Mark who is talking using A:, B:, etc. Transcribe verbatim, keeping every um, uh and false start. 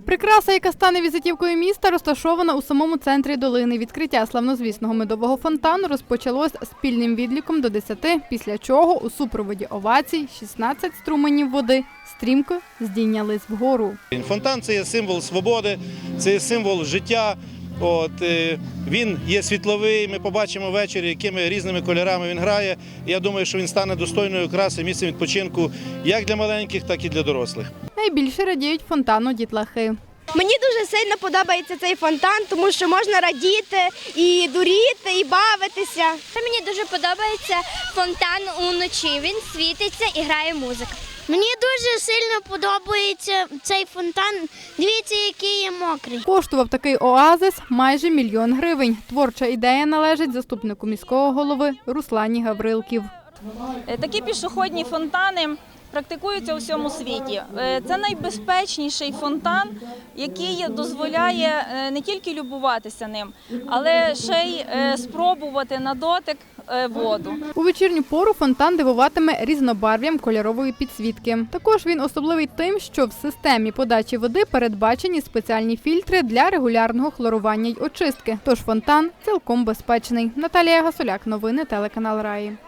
A: Прикраса, яка стане візитівкою міста, розташована у самому центрі долини. Відкриття славнозвісного медового фонтану розпочалось спільним відліком до десяти, після чого у супроводі овацій шістнадцять струменів води стрімко здійнялись вгору.
B: Фонтан – це є символ свободи, це є символ життя. От, він є світловий, ми побачимо ввечері, якими різними кольорами він грає. Я думаю, що він стане достойною краси, місцем відпочинку як для маленьких, так і для дорослих.
A: Найбільше радіють фонтану дітлахи.
C: Мені дуже сильно подобається цей фонтан, тому що можна радіти, і дуріти, і бавитися.
D: Мені дуже подобається фонтан уночі. Він світиться і грає музика.
E: Мені дуже сильно подобається цей фонтан. Дивіться, який є мокрий.
A: Коштував такий оазис майже мільйон гривень. Творча ідея належить заступнику міського голови Руслані Гаврилків.
F: Такі пішохідні фонтани практикуються у всьому світі. Це найбезпечніший фонтан, який дозволяє не тільки любуватися ним, але ще й спробувати на дотик воду.
A: У вечірню пору фонтан дивуватиме різнобарв'ям кольорової підсвітки. Також він особливий тим, що в системі подачі води передбачені спеціальні фільтри для регулярного хлорування й очистки. Тож фонтан цілком безпечний. Наталія Гасоляк, новини телеканал Раї.